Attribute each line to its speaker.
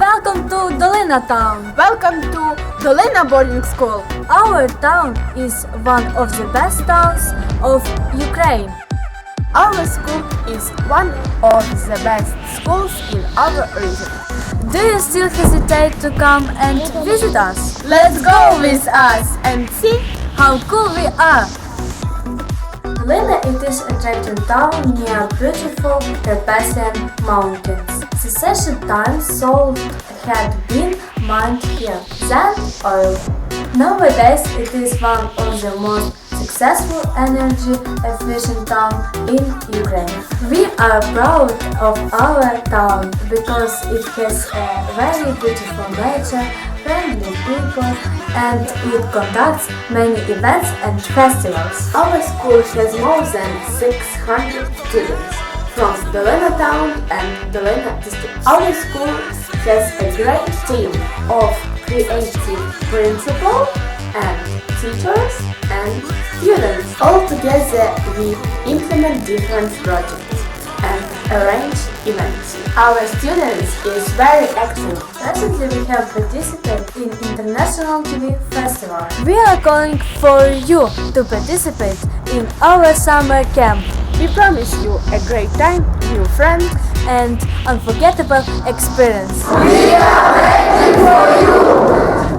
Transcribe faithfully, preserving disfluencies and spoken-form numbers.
Speaker 1: Welcome to Dolina Town.
Speaker 2: Welcome to Dolina Boarding School.
Speaker 1: Our town is one of the best towns of Ukraine.
Speaker 2: Our school is one of the best schools in our region.
Speaker 1: Do you still hesitate to come and visit us?
Speaker 2: Let's go with us and see
Speaker 1: How cool we are! Dolina it is attractive town near beautiful Carpathian Mountains. Secession times salt had been mined here, then oil. Nowadays it is one of the most successful energy efficient town in Ukraine. We are proud of our town because it has a very beautiful nature, friendly people, and it conducts many events and festivals.
Speaker 2: Our school has more than six hundred students from Dolina town and Dolina district. Our school has a great team of creative principals and teachers and students. All together we implement different projects and arrange events. Our students is very active.
Speaker 1: Recently we have participated in International T V Festival. We are calling for you to participate in our summer camp
Speaker 2: We promise you a great time, new friends,
Speaker 1: and unforgettable experience.
Speaker 2: We are waiting for you!